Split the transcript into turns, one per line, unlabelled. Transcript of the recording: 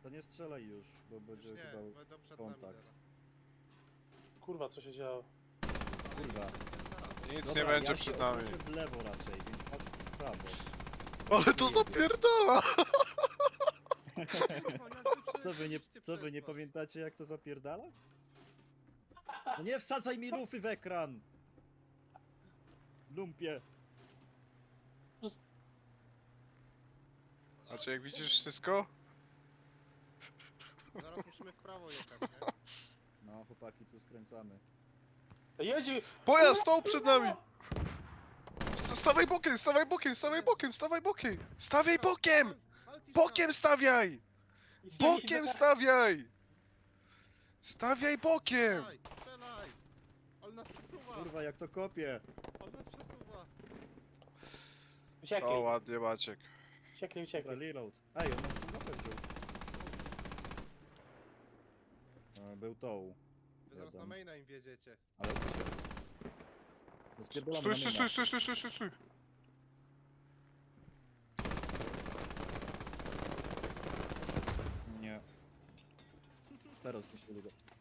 to nie strzelaj już, bo będzie
Już nie,
chyba
będą przed
kontakt.
nami zaraz.
Kurwa, co się działo?
Kurwa.
Nic
Dobra,
nie będzie
ja
przed
się
nami.
odwrócę w lewo raczej, więc chodź w prawo.
Ale to zapierdala!
Kurwa, jak wy przelecieliście
Co wy
przez
nie
nas?
pamiętacie jak to zapierdala? No nie wsadzaj mi lufy w ekran! Lumpie!
Znaczy jak widzisz wszystko?
Zaraz musimy w prawo jechać, nie?
No chłopaki, tu skręcamy.
Jedzie!
Pojazd stał przed nami! Stawaj bokiem, stawaj bokiem, stawaj bokiem, stawaj bokiem! Stawiaj bokiem! Bokiem stawiaj!
Nic nie
Bokiem
widzę.
stawiaj! Stawiaj bokiem!
Strzelaj, strzelaj! On nas przesuwa!
Kurwa, jak to kopie!
On nas przesuwa!
O,
Uciekaj,
ładnie Maciek.
uciekaj,
Dobra,
uciekaj.
reload. Ej, on nas mapę wziął. Był tą.
Wy zaraz na maina im wiedziecie.
Ale uciekł. No spierdolamy
Stój,
na
stój,
mina.
stój, stój, stój, stój, stój.
Nie. Teraz zniszczyli go.